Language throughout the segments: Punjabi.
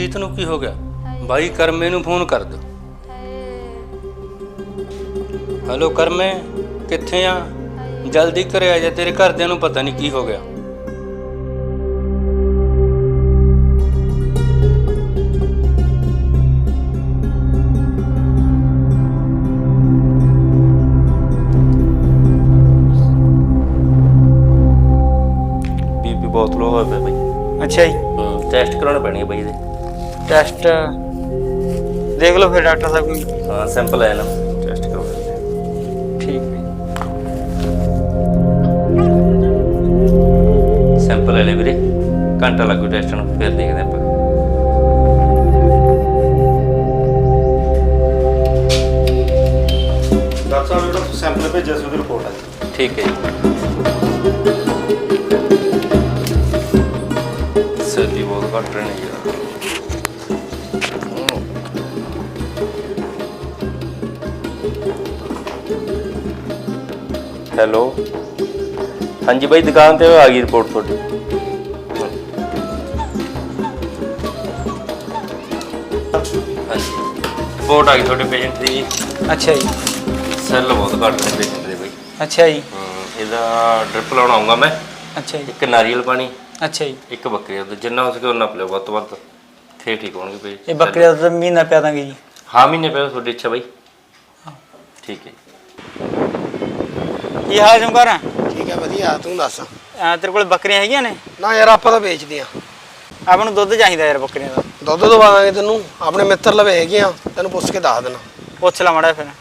ਪ੍ਰੀਤ ਨੂੰ ਕੀ ਹੋ ਗਿਆ? ਬਾਈ ਕਰਮੇ ਨੂੰ ਫੋਨ ਕਰ ਦਿਓ। ਹੈਲੋ ਕਰਮੇ, ਕਿੱਥੇ ਆ? ਜਲਦੀ ਘਰੇ ਆ ਜਾ, ਤੇਰੇ ਘਰਦਿਆਂ ਨੂੰ ਪਤਾ ਨਹੀਂ ਕੀ ਹੋ ਗਿਆ। ਬੀਪੀ ਬਹੁਤ ਲੋ ਹੋਇਆ ਪਿਆ ਬਾਈ। ਅੱਛਾ ਜੀ, ਟੈਸਟ ਕਰਾਉਣਾ ਪੈਣੀ ਹੈ ਬਾਈ ਇਹਦੇ। ਟੈਸਟ ਦੇਖ ਲਓ ਫਿਰ ਡਾਕਟਰ ਸਾਹਿਬ ਕੋਈ। ਹਾਂ ਸੈਂਪਲ ਆਇਆ ਨਾ, ਟੈਸਟ ਕਰਵਾਉਣਾ। ਠੀਕ ਹੈ। ਸੈਂਪਲ ਲੈ ਲੈ ਵੀਰੇ, ਘੰਟਾ ਲੱਗੂ ਟੈਸਟ ਨੂੰ, ਫਿਰ ਦੇਖਦੇ ਆਪਾਂ। ਡਾਕਟਰ ਸਾਹਿਬ ਜਿਹੜਾ ਸੈਂਪਲ ਭੇਜਿਆ ਸੀ ਉਹਦੀ ਰਿਪੋਰਟ ਆ ਜੀ। ਠੀਕ ਹੈ ਜੀ। ਸੈਲੀ ਬਹੁਤ ਘੱਟ ਰਹੇ ਨੇ ਯਾਰ। ਹੈਲੋ, ਹਾਂਜੀ ਬਾਈ ਦੁਕਾਨ ਤੇ ਆ ਗਈ ਰਿਪੋਰਟ ਤੁਹਾਡੀ। ਹਾਂਜੀ ਰਿਪੋਰਟ ਆ ਗਈ ਤੁਹਾਡੇ ਪੇਸ਼ੈਂਟ ਦੀ। ਅੱਛਾ ਜੀ। ਸੈੱਲ ਬਹੁਤ ਘੱਟ ਨੇ ਪੇਸ਼ੈਂਟ ਦੇ ਬਾਈ। ਅੱਛਾ ਜੀ। ਇਹਦਾ ਡ੍ਰਿਪ ਲਾਉਣ ਆਉਂਗਾ ਮੈਂ। ਅੱਛਾ ਜੀ। ਇੱਕ ਨਾਰੀਅਲ ਪਾਣੀ, ਅੱਛਾ ਜੀ। ਇੱਕ ਬੱਕਰੀ ਦਾ ਦੁੱਧ, ਜਿੰਨਾ ਹੋ ਸਕੇ ਉਹਨਾਂ ਪਿਓ ਵੱਧ ਤੋਂ ਵੱਧ, ਫੇਰ ਠੀਕ ਹੋਣਗੇ ਪੇਸ਼ੈਂਟ। ਇਹ ਬੱਕਰੀ ਦਾ ਤਾਂ ਮਹੀਨਾ ਪਿਆ ਦਾਂਗੇ ਜੀ। ਹਾਂ ਮਹੀਨੇ ਪਿਆ, ਤੁਹਾਡੀ ਇੱਛਾ ਬਾਈ। ਠੀਕ ਹੈ। ਕੀ ਹਾਲ ਚਮਕਾਰ ਆ? ਠੀਕ ਹੈ ਵਧੀਆ, ਤੂੰ ਦੱਸ। ਤੇਰੇ ਕੋਲ ਬੱਕਰੀਆਂ ਹੈਗੀਆਂ ਨੇ? ਨਾ ਯਾਰ ਆਪਾਂ ਤਾਂ ਵੇਚਦੇ ਆ। ਆਪਾਂ ਨੂੰ ਦੁੱਧ ਚਾਹੀਦਾ ਯਾਰ ਬੱਕਰੀਆਂ ਦਾ। ਦੁੱਧ ਦਵਾ ਦਾਂਗੇ ਤੈਨੂੰ, ਆਪਣੇ ਮਿੱਤਰ ਲਵੇ ਹੈਗੇ ਆ, ਤੈਨੂੰ ਪੁੱਛ ਕੇ ਦੱਸ ਦੇਣਾ। ਪੁੱਛ ਲਾ ਮਾੜਾ ਫਿਰ।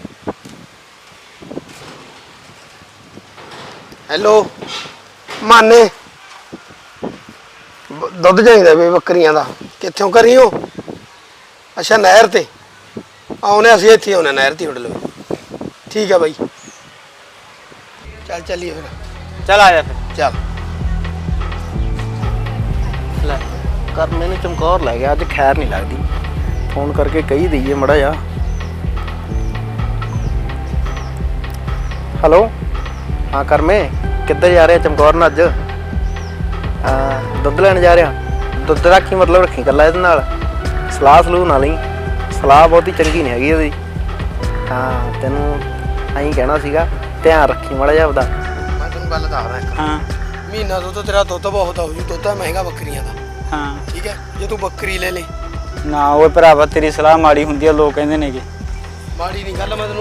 ਹੈਲੋ ਮਾਨੇ, ਦੁੱਧ ਚਾਹੀਦਾ ਵੇ ਬੱਕਰੀਆਂ ਦਾ। ਕਿੱਥੋਂ ਕਰੀ ਹੋ? ਅੱਛਾ ਨਹਿਰ ਤੇ ਆਉਨੇ, ਅਸੀਂ ਇੱਥੇ ਆਉਨੇ ਨਹਿਰ ਤੇ ਤੁਹਾਡੇ ਲਵੇ। ਠੀਕ ਹੈ ਬਾਈ, ਚੱਲ ਚੱਲੀਏ ਫਿਰ। ਚੱਲ ਆ ਜਾ ਫਿਰ। ਚੱਲ ਲੈ ਕਰਮੇ ਨੂੰ ਚਮਕੌਰ ਲੈ ਗਿਆ, ਅੱਜ ਖੈਰ ਨਹੀਂ ਲੱਗਦੀ। ਫੋਨ ਕਰਕੇ ਕਹੀ ਦਈਏ ਮੜਾ ਜਾ। ਹੈਲੋ, ਹਾਂ ਕਰਮੇ, ਕਿੱਧਰ ਜਾ ਰਿਹਾ ਚਮਕੌਰ ਨਾਲ ਅੱਜ? ਹਾਂ ਦੁੱਧ ਲੈਣ ਜਾ ਰਿਹਾ। ਦੁੱਧ ਦਾ ਕੀ ਮਤਲਬ ਰੱਖੀ ਇਕੱਲਾ ਇਹਦੇ ਨਾਲ, ਸਲਾਹ ਸਲੂਹ ਨਾਲ ਹੀ। ਸਲਾਹ ਬਹੁਤੀ ਚੰਗੀ ਨਹੀਂ ਹੈਗੀ ਉਹਦੀ। ਹਾਂ ਤੈਨੂੰ ਐਂ ਕਹਿਣਾ ਸੀਗਾ, ਧਿਆਨ ਰੱਖੀ ਮਾੜਾ ਜਿਹਾ ਆਪਦਾ। ਮੈਂ ਤੈਨੂੰ ਗੱਲ ਦੱਸਦਾ ਇੱਕ। ਹਾਂ ਮਹੀਨਾ ਦੁੱਧ ਤੇਰਾ ਦੁੱਧ ਬਹੁਤ ਆਉ ਜੀ। ਦੁੱਧ ਮਹਿੰਗਾ ਬੱਕਰੀਆਂ ਦਾ। ਹਾਂ। ਠੀਕ ਹੈ, ਜੇ ਤੂੰ ਬੱਕਰੀ ਲੈ ਲੈ। ਨਾ ਓਏ ਭਰਾਵਾ, ਤੇਰੀ ਸਲਾਹ ਮਾੜੀ ਹੁੰਦੀ ਆ, ਲੋਕ ਕਹਿੰਦੇ ਨੇਗੇ। ਮਾੜੀ ਨਹੀਂ ਗੱਲ, ਮੈਂ ਤੈਨੂੰ